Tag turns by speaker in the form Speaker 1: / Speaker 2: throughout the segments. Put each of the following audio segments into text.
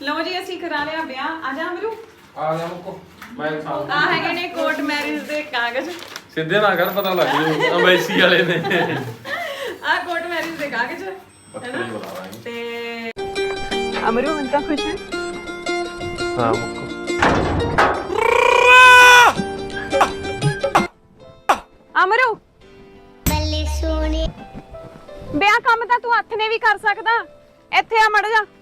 Speaker 1: ਲਓ ਜੀ ਅਸੀਂ ਕਰਾ ਲਿਆ ਵਿਆਹ। ਆ ਜਾ ਅਮਰੂ।
Speaker 2: ਆ ਜਾ ਮੁੱਕੋ ਮੈਂ ਸਾਹ
Speaker 1: ਆ ਹੈਗੇ ਨੇ ਕੋਰਟ ਮੈਰਿਜ ਦੇ ਕਾਗਜ਼।
Speaker 2: ਸਿੱਧੇ ਨਾ ਕਰ ਪਤਾ ਲੱਗ ਜੂ ਅੰਬੈਸੀ ਵਾਲੇ ਨੇ
Speaker 1: ਆ ਕੋਰਟ ਮੈਰਿਜ ਦੇ ਕਾਗਜ਼
Speaker 2: ਪੱਤਰੀ ਬੁਲਾ ਲਾਂਗੇ
Speaker 1: ਤੇ ਅਮਰੂ ਹੁਣ ਤਾਂ ਖੁਸ਼ ਹੈ।
Speaker 2: ਹਾਂ ਮੁੱਕੋ
Speaker 1: ਅਮਰੂ
Speaker 3: ਬੱਲੇ ਸੋਹਣੇ
Speaker 1: ਵਿਆਹ ਕੰਮ ਤਾਂ ਤੂੰ ਹੱਥ ਨੇ ਵੀ ਕਰ ਸਕਦਾ। ਇੱਥੇ ਆ ਮੜ ਜਾ।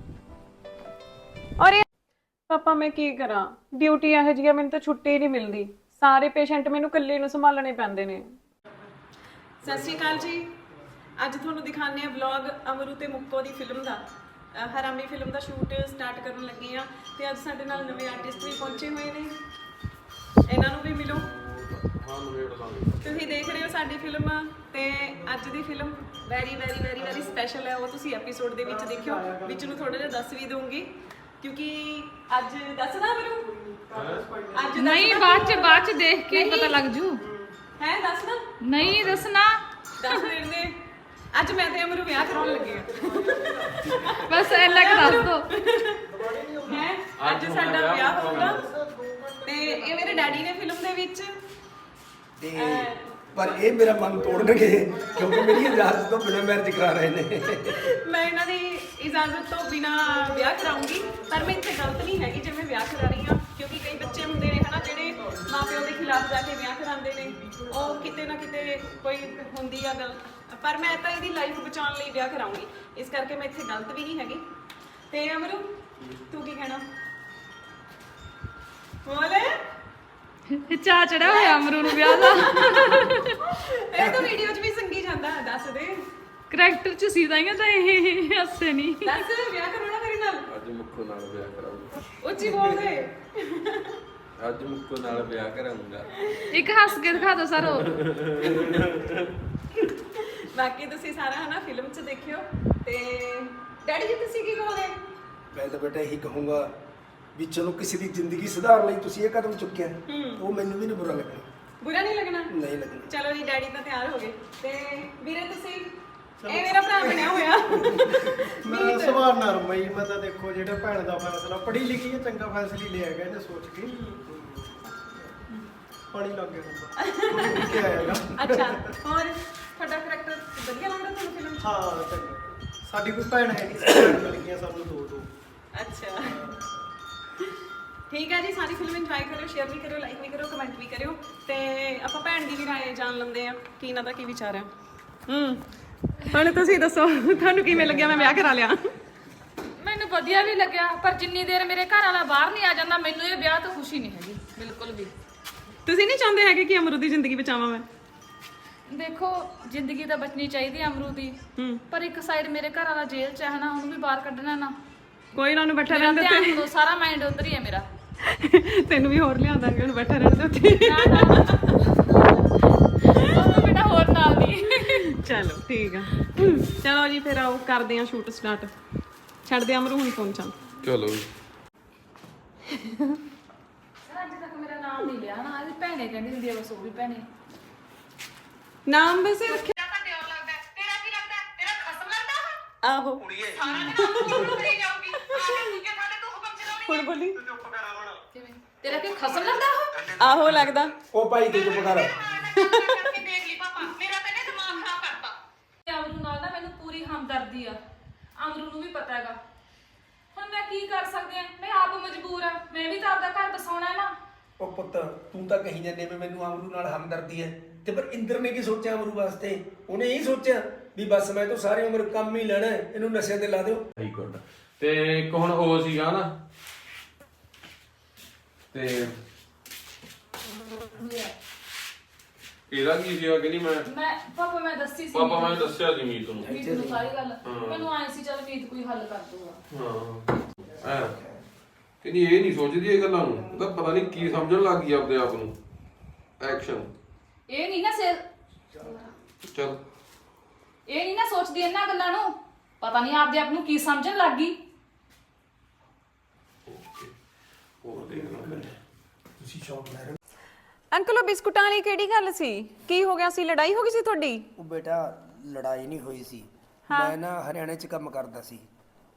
Speaker 1: ਔਰ ਪਾਪਾ ਮੈਂ ਕੀ ਕਰਾਂ, ਡਿਊਟੀ ਇਹੋ ਜਿਹੀ ਆ, ਮੈਨੂੰ ਤਾਂ ਛੁੱਟੀ ਨਹੀਂ ਮਿਲਦੀ। ਸਾਰੇ ਪੇਸ਼ੈਂਟ ਮੈਨੂੰ ਇਕੱਲੇ ਨੂੰ ਸੰਭਾਲਣੇ ਪੈਂਦੇ ਨੇ। ਸਤਿ ਸ਼੍ਰੀ ਅਕਾਲ ਜੀ। ਅੱਜ ਤੁਹਾਨੂੰ ਦਿਖਾਉਂਦੇ ਆ ਵਲੌਗ ਅਮਰੂ ਤੇ ਮੁੱਕੋ ਦੀ ਫਿਲਮ ਦਾ। ਹਰਾਮੀ ਫਿਲਮ ਦਾ ਸ਼ੂਟ ਸਟਾਰਟ ਕਰਨ ਲੱਗੇ ਆ ਤੇ ਅੱਜ ਸਾਡੇ ਨਾਲ ਨਵੇਂ ਆਰਟਿਸਟ ਵੀ ਪਹੁੰਚੇ ਹੋਏ ਨੇ। ਇਹਨਾਂ ਨੂੰ ਵੀ ਮਿਲੋ। ਤੁਸੀਂ ਦੇਖ ਰਹੇ ਹੋ ਸਾਡੀ ਫਿਲਮ ਤੇ ਅੱਜ ਦੀ ਫਿਲਮ ਵੈਰੀ ਸਪੈਸ਼ਲ ਹੈ। ਉਹ ਤੁਸੀਂ ਐਪੀਸੋਡ ਦੇ ਵਿੱਚ ਦੇਖਿਓ। ਵਿੱਚ ਨੂੰ ਥੋੜਾ ਜਿਹਾ ਦੱਸ ਵੀ ਦਊਂਗੀ ਕਿਉਂਕਿ ਅੱਜ ਦੱਸਦਾ ਮੈਨੂੰ ਅੱਜ
Speaker 4: ਨਹੀਂ ਬਾਅਦ ਚ ਦੇਖ ਕੇ ਪਤਾ ਲੱਗ ਜੂ।
Speaker 1: ਹੈ ਦੱਸਦਾ
Speaker 4: ਨਹੀਂ ਦੱਸਣਾ।
Speaker 1: ਦੱਸ ਦਿੰਦੇ। ਅੱਜ ਮੈਂ ਤੇ ਅਮਰੂ ਵਿਆਹ ਕਰਾਉਣ ਲੱਗੇ ਆ।
Speaker 4: ਬਸ ਇੰਨਾ ਕੁ ਦੱਸ ਦੋ।
Speaker 1: ਹੈ ਅੱਜ ਸਾਡਾ ਵਿਆਹ ਹੋਊਗਾ ਤੇ ਇਹ ਮੇਰੇ ਡੈਡੀ ਨੇ ਫਿਲਮ ਦੇ ਵਿੱਚ
Speaker 5: ਤੇ ਪਰ ਇਹ ਮੇਰਾ ਮਨ ਤੋੜਨਗੇ ਕਿਉਂਕਿ ਮੇਰੀ ਇਜਾਜ਼ਤ ਤੋਂ ਬਿਨਾਂ ਮੈਰਿਜ ਕਰਾ ਰਹੇ ਨੇ।
Speaker 1: ਮੈਂ ਇਹਨਾਂ ਦੀ ਇਜਾਜ਼ਤ ਤੋਂ ਬਿਨਾ ਵਿਆਹ ਕਰਾਉਂਗੀ। ਪਰ ਮੈਂ ਇੱਥੇ ਗਲਤ ਨਹੀਂ ਹੈਗੀ ਜੇ ਮੈਂ ਵਿਆਹ ਕਰਾ ਰਹੀ ਹਾਂ ਕਿਉਂਕਿ ਕਈ ਬੱਚੇ ਹੁੰਦੇ ਨੇ ਹਨਾ ਜਿਹੜੇ ਮਾਪਿਓ ਦੇ ਖਿਲਾਫ ਜਾ ਕੇ ਵਿਆਹ ਕਰਾਉਂਦੇ ਨੇ। ਉਹ ਕਿਤੇ ਨਾ ਕਿਤੇ ਕੋਈ ਹੁੰਦੀ ਆ ਗੱਲ, ਪਰ ਮੈਂ ਤਾਂ ਇਹਦੀ ਲਾਈਫ ਬਚਾਉਣ ਲਈ ਵਿਆਹ ਕਰਾਉਂਗੀ। ਇਸ ਕਰਕੇ ਮੈਂ ਇੱਥੇ ਗਲਤ ਵੀ ਨਹੀਂ ਹੈਗੀ। ਤੇ ਅਮਰੂ ਤੂੰ ਕੀ ਕਹਿਣਾ ਬੋਲੇ।
Speaker 4: ਚਾਹ ਚੜਾ ਹੋਇਆ ਅਮਰੂ ਨੂੰ ਵਿਆਹ ਦਾ।
Speaker 1: ਇਹ ਤਾਂ ਵੀਡੀਓ 'ਚ ਵੀ ਸੰਗੀ ਜਾਂਦਾ। ਦੱਸ ਦੇ
Speaker 4: ਕਰੈਕਟਰ ਚ ਸੀ ਤਾਈਆਂ ਤਾਂ ਇਹ ਹੱਸੇ ਨਹੀਂ।
Speaker 1: ਦੱਸ ਵਿਆਹ ਕਰਾਉਣਾ ਮੇਰੇ ਨਾਲ।
Speaker 2: ਅੱਜ ਮੁੱਕੋ ਨਾਲ ਵਿਆਹ ਕਰਾਉਂਗਾ।
Speaker 1: ਉੱਚੀ ਬੋਲ ਦੇ।
Speaker 2: ਅੱਜ ਮੁੱਕੋ ਨਾਲ ਵਿਆਹ ਕਰਾਉਂਗਾ।
Speaker 4: ਇੱਕ ਹੱਸ ਕੇ ਦਿਖਾ ਦੋ ਸਰ।
Speaker 1: ਬਾਕੀ ਤੁਸੀਂ ਸਾਰਾ ਹਨਾ ਫਿਲਮ 'ਚ ਦੇਖਿਓ। ਤੇ ਡੈਡੀ ਜੀ ਤੁਸੀਂ ਕੀ ਕਹੋਗੇ?
Speaker 5: ਮੈਂ ਤਾਂ ਬੇਟਾ ਇਹੀ ਕਹੂੰਗਾ ਵੀ ਚਲੋ ਕਿਸੇ ਦੀ ਜ਼ਿੰਦਗੀ ਸੁਧਾਰਨ ਲਈ ਤੁਸੀਂ ਇਹ ਕਦਮ ਚੁੱਕਿਆ ਉਹ ਮੈਨੂੰ ਵੀ ਨਹੀਂ ਬੁਰਾ ਲੱਗਣਾ।
Speaker 1: ਬੁਰਾ ਨਹੀਂ ਲੱਗਣਾ?
Speaker 5: ਨਹੀਂ ਲੱਗਣਾ।
Speaker 1: ਚਲੋ ਜੀ ਡੈਡੀ ਤਾਂ ਤਿਆਰ ਹੋ ਗਏ ਤੇ ਵੀਰੇ ਤੁਸੀਂ ਇਹ ਮੇਰਾ ਭਰਾ ਬਣਿਆ ਹੋਇਆ।
Speaker 6: ਮੇਰਾ ਸੁਭਾਅ ਨਰਮ ਹੀ। ਮੈਂ ਤਾਂ ਦੇਖੋ ਜਿਹੜਾ ਭੈਣ ਦਾ ਫੈਸਲਾ ਪੜ੍ਹੀ ਲਿਖੀ ਹੈ ਚੰਗਾ ਫੈਸਲਾ ਹੀ ਲਿਆ ਗਿਆ ਇਹਨੇ ਸੋਚ ਕੇ। ਪਾਣੀ ਲੱਗ ਗਿਆ ਹੁੰਦਾ ਕੀ ਆਏਗਾ।
Speaker 1: ਅੱਛਾ ਹੋਰ ਤੁਹਾਡਾ ਕਰੈਕਟਰ ਵਧੀਆ ਲੱਗਦਾ ਤੁਹਾਨੂੰ ਫਿਲਮ 'ਚ?
Speaker 6: ਹਾਂ ਚੰਗਾ। ਸਾਡੀ ਕੋਈ ਭੈਣ ਹੈ ਨਹੀਂ ਸੀ, ਭੈਣ ਮਿਲ ਗਈਆਂ ਸਾਨੂੰ ਦੋ।
Speaker 1: ਅੱਛਾ ਠੀਕ ਹੈ ਜੀ। ਸਾਰੀ ਫਿਲਮ ਇੰਜੋਏ ਕਰਿਓ, ਸ਼ੇਅਰ ਵੀ ਕਰਿਓ, ਲਾਈਕ ਵੀ ਕਰਿਓ, ਕਮੈਂਟ ਵੀ ਕਰਿਓ ਤੇ ਆਪਾਂ ਭੈਣ ਦੀ ਵੀ ਰਾਏ ਜਾਣ ਲੈਂਦੇ ਆ ਕੀ ਇਹਨਾਂ ਦਾ ਕੀ ਵਿਚਾਰ ਹੈ। ਹੁਣ ਤੁਸੀਂ ਦੱਸੋ ਤੁਹਾਨੂੰ ਕਿਵੇਂ ਲੱਗਿਆ ਮੈਂ ਵਿਆਹ ਕਰਾ ਲਿਆ?
Speaker 4: ਮੈਨੂੰ ਵਧੀਆ ਵੀ ਲੱਗਿਆ ਪਰ ਜਿੰਨੀ ਦੇਰ ਮੇਰੇ ਘਰ ਵਾਲਾ ਬਾਹਰ ਨਹੀਂ ਆ ਜਾਂਦਾ ਮੈਨੂੰ ਇਹ ਵਿਆਹ ਤੋਂ ਖੁਸ਼ੀ ਨਹੀਂ ਹੈਗੀ ਬਿਲਕੁਲ ਵੀ।
Speaker 1: ਤੁਸੀਂ ਨਹੀਂ ਚਾਹੁੰਦੇ ਹੈਗੇ ਕਿ ਅਮਰੂ ਦੀ ਜ਼ਿੰਦਗੀ ਬਚਾਵਾਂ ਮੈਂ?
Speaker 4: ਦੇਖੋ ਜ਼ਿੰਦਗੀ ਤਾਂ ਬਚਣੀ ਚਾਹੀਦੀ ਹੈ ਅਮਰੂ ਦੀ, ਪਰ ਇੱਕ ਸਾਈਡ ਮੇਰੇ ਘਰ ਵਾਲਾ ਜੇਲ੍ਹ 'ਚ ਹੈ ਨਾ, ਉਹਨੂੰ ਵੀ ਬਾਹਰ ਕੱਢਣਾ ਨਾ।
Speaker 1: ਕੋਈ ਨਾ ਉਹਨੂੰ ਬੈਠਾ
Speaker 4: ਮੇਰਾ
Speaker 1: ਰਹਿਣ
Speaker 4: ਧਿਆਨ
Speaker 1: ਦੇ
Speaker 4: ਦਿਓ, ਸਾਰਾ ਮਾਈਂਡ ਉਧਰ ਹੀ ਹੈ ਮੇਰਾ।
Speaker 1: ਉੱਤੇ। ਤੈਨੂੰ ਵੀ ਹੋਰ ਲਿਆਂਦਾਂਗੇ ਉਹਨੂੰ ਬੈਠਾ ਰਹਿਣ ਦੇ ਉੱਤੇ।
Speaker 4: ਉਹਨੂੰ ਬੇਟਾ ਹੋਰ ਨਾਲ ਦੀ।
Speaker 1: ਚਲੋ ਠੀਕ ਆ। ਚਲੋ ਜੀ ਫਿਰ ਆਓ ਕਰਦੇ ਆ ਸ਼ੂਟ ਸਟਾਰਟ। ਛੱਡ ਦੇ ਅਮਰੂ ਹੁਣ ਫੋਨ ਚੱਲ।
Speaker 2: ਚਲੋ
Speaker 4: ਸਰ ਅੱਜ ਤੱਕ ਮੇਰਾ ਨਾਮ ਨਹੀਂ ਲਿਆ ਨਾ। ਇਹਦੀ ਭੈਣੇ ਕਹਿੰਦੀ ਹੁੰਦੀ ਆ, ਬਸ ਉਹ ਵੀ ਭੈਣੇ।
Speaker 1: ਨਾਮ ਵੈਸੇ ਰੱਖਿਆ ਆਹੋ ਹੁਣ ਬੋਲੀ।
Speaker 4: ਕਿਵੇਂ ਤੇਰਾ ਕੀ ਖਸਮ ਲੱਗਦਾ ਉਹ?
Speaker 1: ਆਹੋ ਲੱਗਦਾ।
Speaker 5: ਉਹ ਭਾਈ ਤੂੰ ਚੁੱਪ ਕਰ।
Speaker 4: ਅਮਰੂ ਨਾਲ ਨਾ ਮੈਨੂੰ ਪੂਰੀ ਹਮਦਰਦੀ ਆ। ਅਮਰੂ ਨੂੰ ਵੀ ਪਤਾ ਹੈਗਾ। ਹੁਣ ਮੈਂ ਕੀ ਕਰ ਸਕਦੀ ਆ? ਮੈਂ ਆਪ ਮਜਬੂਰ ਆ। ਮੈਂ ਵੀ ਤਾਂ ਆਪਦਾ ਘਰ ਬਸਾਉਣਾ ਹੈ ਨਾ।
Speaker 5: ਉਹ ਪੁੱਤ ਤੂੰ ਤਾਂ ਕਹੀ ਜਾਂਦੇ ਵੀ ਮੈਨੂੰ ਅਮਰੂ ਨਾਲ ਹਮਦਰਦੀ ਹੈ ਤੇ ਪਰ ਇੰਦਰ ਨੇ ਕੀ ਸੋਚਿਆ ਅਮਰੂ ਵਾਸਤੇ? ਉਹਨੇ ਇਹ ਸੋਚਿਆ ਵੀ ਬਸ ਮੈਂ ਤਾਂ ਸਾਰੀ ਉਮਰ ਕੰਮ ਹੀ ਲੈਣਾ ਇਹਨੂੰ ਨਸ਼ੇ ਤੇ ਲਾ ਦਿਓ।
Speaker 2: ਸਹੀ ਗੁੱਡ। ਤੇ ਇੱਕ ਹੁਣ ਉਹ ਸੀਗਾ ਨਾ ਤੇ ਇਹਦਾ ਕੀ ਸੀਗਾ ਕਿ ਨਹੀਂ
Speaker 4: ਮੈਂ ਪਾਪਾ ਮੈਂ ਦੱਸੀ ਸੀ।
Speaker 2: ਪਾਪਾ ਮੈਂ ਦੱਸਿਆ ਸੀ ਮੀਤ ਨੂੰ।
Speaker 4: ਮੀਤ ਨੂੰ ਸਾਰੀ ਗੱਲ। ਮੈਨੂੰ ਆਏ ਸੀ ਚੱਲ ਮੀਤ ਕੋਈ ਹੱਲ ਕਰ ਦੂਗਾ।
Speaker 2: ਹਾਂ ਕਿ ਨਹੀਂ ਇਹ ਨਹੀਂ ਸੋਚਦੀ ਇਹ ਗੱਲਾਂ ਨੂੰ। ਉਹਦਾ ਪਤਾ ਨਹੀਂ ਕੀ ਸਮਝਣ ਲੱਗ ਗਈ ਆਪਦੇ ਆਪ ਨੂੰ। ਐਕਸ਼ਨ
Speaker 4: ਇਹ ਨਹੀਂ ਨਾ ਸਿਰ
Speaker 2: ਚਲ
Speaker 4: ਇਹ ਨਹੀਂ ਨਾ ਸੋਚਦੀ ਇਹਨਾਂ ਗੱਲਾਂ ਨੂੰ। ਪਤਾ ਨਹੀਂ ਆਪਦੇ ਆਪ ਨੂੰ ਕੀ ਸਮਝਣ ਲੱਗ ਗਈ।
Speaker 2: ਹੋਰ ਦੇਖ ਲਾਂ ਫਿਰ।
Speaker 5: ਤੁਸੀਂ ਸ਼ੌਕ ਲੈ ਰਹੇ
Speaker 1: ਅੰਕਲ ਉਹ ਬਿਸਕੁਟਾਂ ਵਾਲੀ ਕਿਹੜੀ ਗੱਲ ਸੀ? ਕੀ ਹੋ ਗਿਆ ਸੀ? ਲੜਾਈ ਹੋ ਗਈ ਸੀ ਤੁਹਾਡੀ?
Speaker 5: ਉਹ ਬੇਟਾ ਲੜਾਈ ਨਹੀਂ ਹੋਈ ਸੀ। ਮੈਂ ਨਾ ਹਰਿਆਣੇ 'ਚ ਕੰਮ ਕਰਦਾ ਸੀ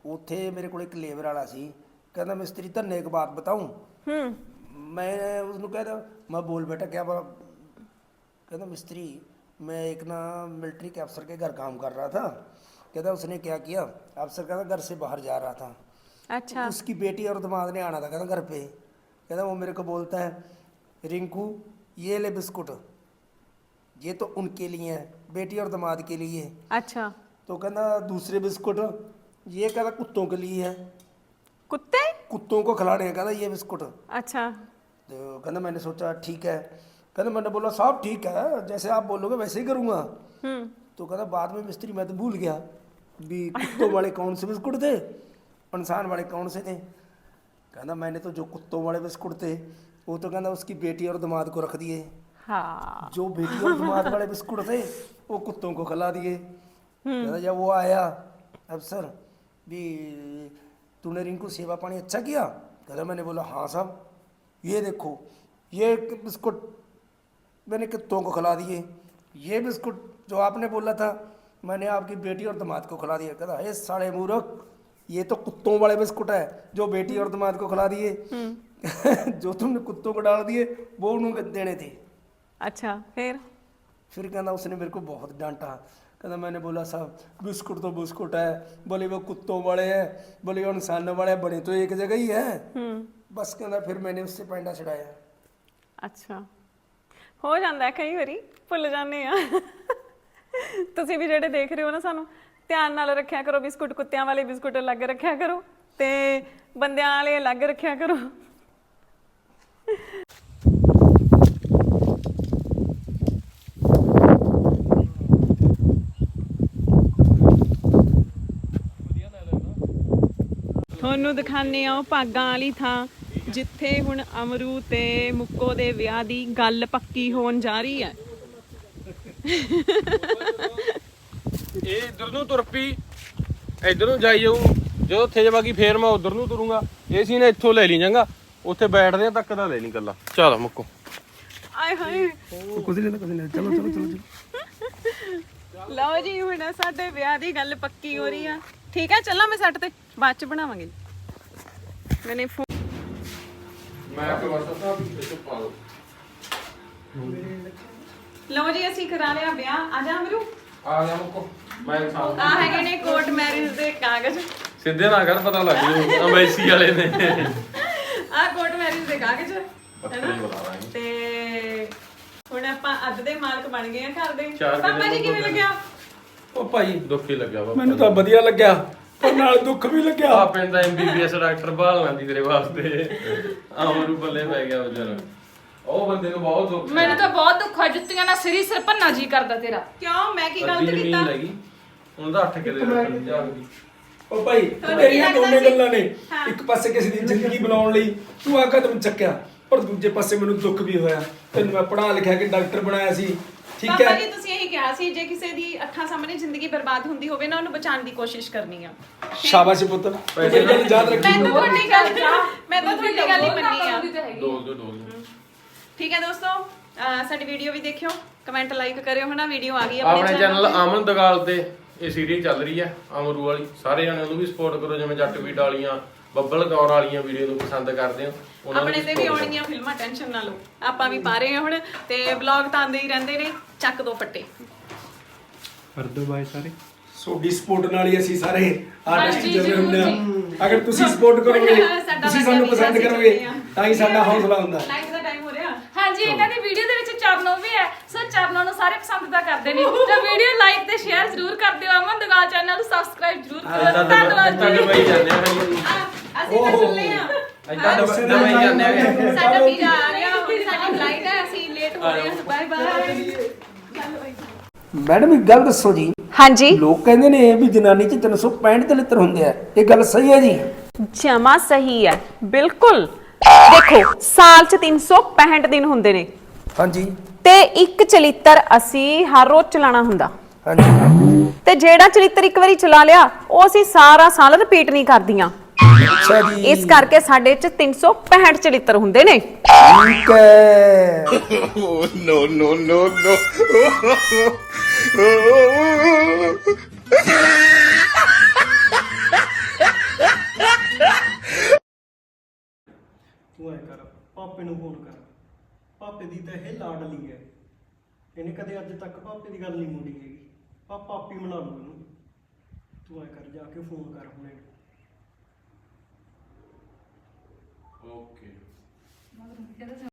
Speaker 5: ਉੱਥੇ ਮੇਰੇ ਕੋਲ ਇੱਕ ਲੇਬਰ ਵਾਲਾ ਸੀ, ਕਹਿੰਦਾ ਮਿਸਤਰੀ ਧੰਨੇ ਇੱਕ ਬਾਤ ਬਤਾऊं। मैं उसको कहता मैं बोल बेटा क्या बात। कहता मिस्त्री मैं एक ना मिलिट्री के अफसर के घर काम कर रहा था। कहता उसने क्या किया, अफसर कहता घर से बाहर जा रहा था,
Speaker 1: अच्छा
Speaker 5: उसकी बेटी और दामाद ने आना था कहता घर पे। कहता वो मेरे को बोलता है रिंकू ये ले बिस्कुट, ये तो उनके लिए है, बेटी और दामाद के लिए।
Speaker 1: अच्छा
Speaker 5: तो कहना दूसरे बिस्कुट ये कहता कुत्तों के लिए है,
Speaker 1: कुत्ते
Speaker 5: कुत्तों को खिलाने हैं कहता ये बिस्कुट।
Speaker 1: अच्छा
Speaker 5: तो कहना मैंने सोचा ठीक है। कहना मैंने बोला साहब ठीक है, जैसे आप बोलोगे वैसे ही करूँगा। तो कहता बाद में मिस्त्री मैं तो भूल गया भी कुत्तों वाले कौन से बिस्कुट थे, इंसान वाले कौन से थे। कहना मैंने तो जो कुत्तों वाले बिस्कुट थे वो तो कहना उसकी बेटी और दामाद को रख दिए,
Speaker 1: हाँ
Speaker 5: जो बेटी और दामाद वाले बिस्कुट थे वो कुत्तों को खिला दिए। कहता जब वो आया अफसर भी तूने रिंकू सेवा पानी अच्छा किया। कहता मैंने बोला हाँ साहब, ये देखो ये बिस्कुट मैंने कुत्तों को खिला दिए, ये बिस्कुट जो आपने बोला था मैंने आपकी बेटी और दामाद को खिला दिया। कहता हे साले मूर्ख, ये तो कुत्तों वाले बिस्कुट है जो बेटी और दामाद को खिला दिए जो तुमने कुत्तों को डाल दिए वो उन्होंने देने थे।
Speaker 1: अच्छा
Speaker 5: फिर कहना उसने मेरे को बहुत डांटा। कहना मैंने बोला साहब बिस्कुट तो बिस्कुट है, बोले वो कुत्तों वाले हैं, बोले वो इंसानों वाले हैं, बने तो एक जगह ही है। बस कहना फिर मैंने उससे पैंडा छड़ाया।
Speaker 1: ਅੱਛਾ ਹੋ ਜਾਂਦਾ ਕਈ ਵਾਰੀ ਭੁੱਲ ਜਾਂਦੇ ਆ। ਤੁਸੀਂ ਵੀ ਜਿਹੜੇ ਦੇਖ ਰਹੇ ਹੋ ਨਾ ਸਾਨੂੰ ਧਿਆਨ ਨਾਲ ਰੱਖਿਆ ਕਰੋ, ਬਿਸਕੁਟ ਕੁੱਤਿਆਂ ਵਾਲੇ ਬਿਸਕੁਟ ਅਲੱਗ ਰੱਖਿਆ ਕਰੋ ਤੇ ਬੰਦਿਆਂ ਵਾਲੇ ਅਲੱਗ ਰੱਖਿਆ ਕਰੋ। ਤੁਹਾਨੂੰ ਦਿਖਾਣੇ ਆ ਉਹ ਭਾਗਾਂ ਵਾਲੀ ਥਾਂ ਜਿੱਥੇ ਹੁਣ ਅਮਰੂ ਤੇ ਮੁੱਕੋ ਦੇ ਵਿਆਹ ਦੀ ਗੱਲ ਪੱਕੀ ਹੋਣ ਜਾ ਰਹੀ ਹੈ।
Speaker 2: ਇਹ ਇਧਰ ਨੂੰ ਤੁਰ ਪਈ, ਇਧਰ ਨੂੰ ਜਾਈ ਜਾਊ, ਜਦੋਂ ਉੱਥੇ ਜਾਵਾਂਗੀ ਫੇਰ ਮੈਂ ਉਧਰ ਨੂੰ ਤੁਰੂੰਗਾ। ਇਹ ਸੀ ਨੇ ਇੱਥੋਂ ਲੈ ਲਈ ਜਾਂਗਾ, ਉੱਥੇ ਬੈਠਦੇ ਤੱਕ ਦਾ ਲੈ ਲਈ ਗੱਲਾਂ। ਚਲ ਮੁੱਕੋ
Speaker 1: ਆਏ ਹਾਏ
Speaker 5: ਕੁਝ ਨਹੀਂ ਚਲੋ ਚਲੋ ਚਲੋ ਚਲੋ।
Speaker 1: ਲਓ ਜੀ ਹੁਣ ਸਾਡੇ ਵਿਆਹ ਦੀ ਗੱਲ ਪੱਕੀ ਹੋ ਰਹੀ ਆ। ਠੀਕ ਹੈ ਚੱਲਾਂ ਮੈਂ ਸੈੱਟ ਤੇ ਬਾਅਦ ਚ ਬਣਾਵਾਂਗੇ। ਮੈਨੇ
Speaker 2: ਮੈਂ ਕਿ ਵਰਤਾ ਸਾਹਿਬ ਇੱਥੇ ਪਾ ਲਓ।
Speaker 1: ਲਓ ਜੀ ਅਸੀਂ ਕਰਾ ਲਿਆ ਵਿਆਹ। ਆ ਜਾ ਅਮਰੂ,
Speaker 2: ਆ ਜਾ ਮੁੱਕੋ। ਮੈਂ ਸਾਹ
Speaker 1: ਆ ਹੈਗੇ ਨੇ ਕੋਰਟ ਮੈਰਿਜ ਦੇ ਕਾਗਜ਼।
Speaker 2: ਸਿੱਧੇ ਨਾ ਕਰ, ਪਤਾ ਲੱਗ ਜੂ ਅੰਬੈਸੀ ਵਾਲੇ ਨੇ।
Speaker 1: ਆ ਕੋਰਟ ਮੈਰਿਜ ਦੇ ਕਾਗਜ਼
Speaker 2: ਪੱਤਰ ਹੀ ਬੁਲਾ ਲਾਂਗੇ।
Speaker 1: ਤੇ ਹੁਣ ਆਪਾਂ ਅੱਧ ਦੇ ਮਾਲਕ ਬਣ ਗਏ ਆ ਘਰ ਦੇ।
Speaker 2: ਚਾਰ
Speaker 1: ਪਾਪਾ ਜੀ ਕਿਵੇਂ ਲੱਗਿਆ?
Speaker 5: ਉਹ ਭਾਈ
Speaker 2: ਦੁੱਖ ਹੀ ਲੱਗਿਆ ਵਾ
Speaker 5: ਮੈਨੂੰ ਤਾਂ ਵਧੀਆ ਲੱਗਿਆ ਪਰ ਨਾਲ ਦੁੱਖ ਵੀ ਲੱਗਿਆ।
Speaker 2: ਆ ਪਿੰਡ ਦਾ MBBS ਡਾਕਟਰ ਭਾਲ ਲਾਂਦੀ ਤੇਰੇ ਵਾਸਤੇ। ਆਮਰੂ ਬੱਲੇ ਪੈ ਗਿਆ ਵਿਚਾਰਾ, ਉਹ ਬੰਦੇ ਨੂੰ ਬਹੁਤ ਦੁੱਖ।
Speaker 4: ਮੈਨੂੰ ਤਾਂ ਬਹੁਤ ਦੁੱਖ ਆ, ਜੁੱਤੀਆਂ ਨਾਲ ਸਿਰੀ ਸਿਰ ਭੰਨਾ ਜੀ ਕਰਦਾ ਤੇਰਾ।
Speaker 1: ਕਿਉਂ ਮੈਂ ਕੀ ਗਲਤ
Speaker 2: ਅੱਧੀ
Speaker 1: ਕੀਤਾ?
Speaker 2: ਜ਼ਮੀਨ ਲੱਗੀ ਹੁਣ ਤਾਂ 8 ਕਿੱਲੇ ਰੱਖਣ ਜਾਗਦੀ।
Speaker 5: ਉਹ ਭਾਈ
Speaker 1: ਤੁਹਾਨੂੰ
Speaker 5: ਤੇਰੀਆਂ
Speaker 1: ਕੀ ਲੱਗਦਾ
Speaker 5: ਦੋਨੇ
Speaker 1: ਸੀ?
Speaker 5: ਗੱਲਾਂ ਨੇ,
Speaker 1: ਹਾਂ।
Speaker 5: ਇੱਕ ਪਾਸੇ ਕਿਸੇ ਦੀ ਜ਼ਿੰਦਗੀ ਬਣਾਉਣ ਲਈ ਤੂੰ ਆ ਕਦਮ ਚੱਕਿਆ ਪਰ ਦੂਜੇ ਪਾਸੇ ਮੈਨੂੰ ਦੁੱਖ ਵੀ ਹੋਇਆ। ਤੈਨੂੰ ਮੈਂ ਪੜ੍ਹਾ ਲਿਖਿਆ ਕਿ ਡਾਕਟਰ ਬਣਾਇਆ ਸੀ, ਠੀਕ
Speaker 1: ਪਾਪਾ
Speaker 5: ਹੈ।
Speaker 1: ਜੀ ਤੁਸੀਂ ਇਹੀ ਕਿਹਾ ਸੀ ਜੇ ਕਿਸੇ ਦੀ ਅੱਖਾਂ ਸਾਹਮਣੇ ਜ਼ਿੰਦਗੀ ਬਰਬਾਦ ਹੁੰਦੀ ਹੋਵੇ ਨਾ ਉਹਨੂੰ ਬਚਾਉਣ ਦੀ ਕੋਸ਼ਿਸ਼ ਕਰਨੀ ਆ।
Speaker 5: ਸ਼ਾਬਾਸ਼ ਪੁੱਤ, ਤੂੰ ਮੇਰੀ ਗੱਲ ਯਾਦ ਰੱਖੀ।
Speaker 1: ਮੈਂ ਤਾਂ ਤੁਹਾਡੀ ਗੱਲ ਹੀ ਮੰਨੀ ਆ।
Speaker 2: ਡੋਲ ਦੋ।
Speaker 1: ਠੀਕ ਹੈ ਦੋਸਤੋ, ਸਾਡੀ ਵੀਡੀਓ ਵੀ ਦੇਖਿਓ, ਕਮੈਂਟ ਲਾਈਕ ਕਰਿਓ ਹਨਾ। ਵੀਡੀਓ ਆ ਗਈ
Speaker 2: ਆਪਣੇ ਚੈਨਲ ਅਮਨ ਦਗਾਲ ਤੇ ਇਹ ਸੀਰੀਜ਼ ਚੱਲ ਰਹੀ ਹੈ ਅਮਰੂ ਵਾਲੀ। ਸਾਰੇ ਜਣੇ ਉਹਨੂੰ ਵੀ ਸਪੋਰਟ ਕਰੋ, ਜਿਵੇਂ ਜੱਟ ਵੀਡ ਵਾਲੀਆਂ ਬੱਬਲ ਕੌਰ ਵਾਲੀਆਂ ਵੀਡੀਓ ਨੂੰ ਪਸੰਦ ਕਰਦੇ ਹੋ ਉਹਨਾਂ ਨੂੰ
Speaker 1: ਆਪਣੇ ਤੇ ਵੀ ਆਉਣਗੀਆਂ ਫਿਲਮਾਂ, ਟੈਨਸ਼ਨ ਨਾ ਲਓ। ਆਪਾਂ ਵੀ ਪਾ ਰਹੇ ਹਾਂ ਹੁਣ ਤੇ ਵਲੌਗ ਤਾਂ ਆਉਂਦੇ ਹੀ ਰਹਿੰਦੇ ਨੇ। ਚੱਕ ਦੋ ਫੱਟੇ
Speaker 6: ਕਰ ਦੋ ਬਾਈ ਸਾਰੇ।
Speaker 5: ਤੁਹਾਡੀ ਸਪੋਰਟ ਨਾਲ ਹੀ ਅਸੀਂ ਸਾਰੇ ਆਰਟਿਸਟ
Speaker 4: ਹਾਂਜੀ,
Speaker 5: ਜਿਵੇਂ ਹੁੰਦੇ
Speaker 4: ਜ਼ਰੂਰ
Speaker 5: ਆ। ਅਗਰ ਤੁਸੀਂ ਸਪੋਰਟ ਕਰੋਗੇ,
Speaker 1: ਸਾਡਾ
Speaker 5: ਤੁਸੀਂ ਸਾਨੂੰ ਪਸੰਦ ਕਰੋਗੇ ਤਾਂ ਹੀ ਸਾਡਾ ਹੌਸਲਾ ਹੁੰਦਾ।
Speaker 1: ਲਾਈਵ ਦਾ ਟਾਈਮ ਹੋ ਰਿਹਾ।
Speaker 4: ਹਾਂਜੀ, ਇਹਨਾਂ ਦੀ ਵੀਡੀਓ ਦੇ ਵਿੱਚ ਚਰਨੋ ਵੀ ਹੈ, ਸੋ ਚਰਨੋ ਨੂੰ ਸਾਰੇ ਪਸੰਦ ਤਾਂ ਕਰਦੇ ਨੇ। ਤਾਂ ਵੀਡੀਓ ਲਾਈਕ ਤੇ ਸ਼ੇਅਰ ਜ਼ਰੂਰ ਕਰ ਦਿਓ। ਅਮਨ ਦਗਾਲ ਚੈਨਲ ਨੂੰ ਸਬਸਕ੍ਰਾਈਬ ਜ਼ਰੂਰ ਕਰੋ। ਧੰਨਵਾਦ
Speaker 2: ਤਾਂ
Speaker 4: ਜੀ।
Speaker 2: ਡੁਬਈ ਜਾਂਦੇ ਆ ਭਾਈ,
Speaker 1: ਅਸੀਂ ਤਾਂ ਚੱਲੇ ਆ।
Speaker 2: ਇੱਦਾਂ ਡੁਬਈ ਜਾਂਦੇ ਆ।
Speaker 1: ਸਾਡਾ ਵੀਜ਼ਾ ਆ ਗਿਆ, ਹੁਣ ਸਾਡੀ ਫਲਾਈਟ ਹੈ, ਅਸੀਂ ਲੇਟ ਹੋ ਰਹੇ ਹਾਂ। Bye bye.
Speaker 5: ਮੈਡਮ ਇੱਕ ਗੱਲ ਦੱਸੋ ਜੀ,
Speaker 1: ਹਾਂਜੀ
Speaker 5: ਲੋਕ ਕਹਿੰਦੇ ਨੇ ਵੀ ਜਨਾਨੀ 'ਚ 365 ਚਲਿੱਤਰ ਹੁੰਦੇ ਆ, ਇਹ ਗੱਲ ਸਹੀ ਹੈ ਜੀ?
Speaker 1: ਜਮਾ ਸਹੀ ਹੈ, ਬਿਲਕੁਲ। ਦੇਖੋ ਸਾਲ ਚ 365 ਦਿਨ ਹੁੰਦੇ ਨੇ
Speaker 5: ਹਾਂਜੀ
Speaker 1: ਤੇ ਇੱਕ ਚਲਿੱਤਰ ਅਸੀਂ ਹਰ ਰੋਜ਼ ਚਲਾਉਣਾ ਹੁੰਦਾ।
Speaker 5: ਹਾਂਜੀ
Speaker 1: ਤੇ ਜਿਹੜਾ ਚਲਿੱਤਰ ਇੱਕ ਵਾਰੀ ਚਲਾ ਲਿਆ ਉਹ ਅਸੀਂ ਸਾਰਾ ਸਾਲ ਰਿਪੀਟ ਨਹੀਂ ਕਰਦੀਆਂ।
Speaker 5: ਅੱਛਾ ਜੀ,
Speaker 1: ਇਸ ਕਰਕੇ ਸਾਡੇ ਚ 365 ਚਲਿੱਤਰ ਹੁੰਦੇ ਨੇ।
Speaker 5: ਠੀਕ ਹੈ।
Speaker 3: no.
Speaker 6: ਪਾਪੇ ਨੂੰ ਫੋਨ ਕਰ। ਪਾਪੇ ਦੀ ਤਾਂ ਇਹ ਲਾਡਲੀ ਹੈ, ਇਹਨੇ ਕਦੇ ਅੱਜ ਤੱਕ ਪਾਪੇ ਦੀ ਗੱਲ ਨਹੀਂ ਮੋੜੀ ਹੈਗੀ। ਪਾਪਾ ਆਪੀ ਮਨਾ ਲੂ ਇਹਨੂੰ। ਤੂੰ ਐ ਕਰ, ਜਾ ਕੇ ਫੋਨ ਕਰ ਹੁਣੇ।
Speaker 2: ਓਕੇ।
Speaker 4: ਮਗਰ ਕਹਿੰਦਾ